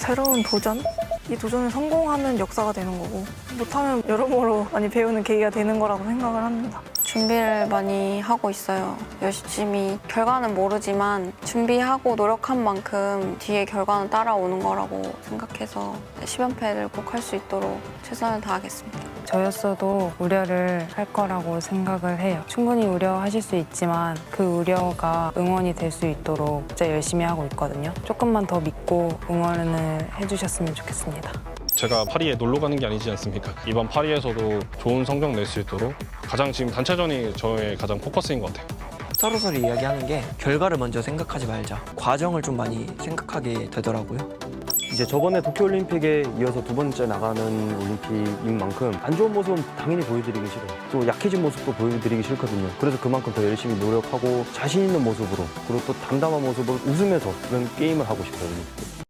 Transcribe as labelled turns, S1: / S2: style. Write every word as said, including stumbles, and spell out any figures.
S1: 새로운 도전? 이 도전에 성공하면 역사가 되는 거고 못하면 여러모로 많이 배우는 계기가 되는 거라고 생각을 합니다.
S2: 준비를 많이 하고 있어요. 열심히 결과는 모르지만 준비하고 노력한 만큼 뒤에 결과는 따라오는 거라고 생각해서 십 연패를 꼭 할 수 있도록 최선을 다하겠습니다.
S3: 저였어도 우려를 할 거라고 생각을 해요. 충분히 우려하실 수 있지만 그 우려가 응원이 될 수 있도록 진짜 열심히 하고 있거든요. 조금만 더 믿고 응원을 해주셨으면 좋겠습니다.
S4: 제가 파리에 놀러 가는 게 아니지 않습니까? 이번 파리에서도 좋은 성적 낼 수 있도록 가장 지금 단체전이 저의 가장 포커스인 것 같아요.
S5: 서로서로 이야기하는 게 결과를 먼저 생각하지 말자. 과정을 좀 많이 생각하게 되더라고요.
S6: 이제 저번에 도쿄올림픽에 이어서 두 번째 나가는 올림픽인 만큼 안 좋은 모습은 당연히 보여드리기 싫어요. 또 약해진 모습도 보여드리기 싫거든요. 그래서 그만큼 더 열심히 노력하고 자신 있는 모습으로 그리고 또 담담한 모습으로 웃으면서 그런 게임을 하고 싶어요.